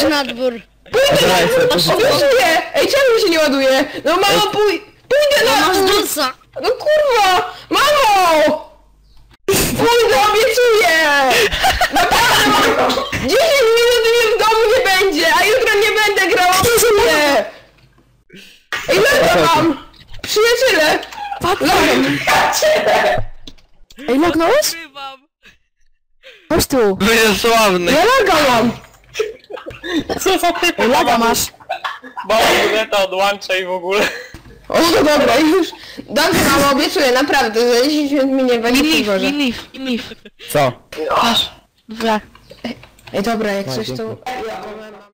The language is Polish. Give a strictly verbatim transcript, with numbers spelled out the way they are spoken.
Chodź na dwór. Pójdę na dwór, obiecuję! Ej, czemu się nie ładuje? No mamo, pój... pójdę No na masz dwór! dusa. No kurwa! Mamo! Pójdę, obiecuję! Naprawdę, mamo! dziesięć minut mnie w domu nie będzie, a jutro nie będę grał, obiecuję! Ej, laga mam! Przyjaciele! Lagam! Przyjaciele! Ej, lognąłeś? Ukrywam. Chodź tu. Wy jest sławny. Ja laga mam! Ej, laga masz. Mama moneta odłącza i w ogóle. O, dobra, już. Dobrze, mamo, obiecuję, naprawdę, za dziesięć minut mi nie będzie Leaf, przygorzę. leaf, leaf. Co? Masz. Dobra. Ej, dobra, jak No, coś to... dzięki. Ja powiem.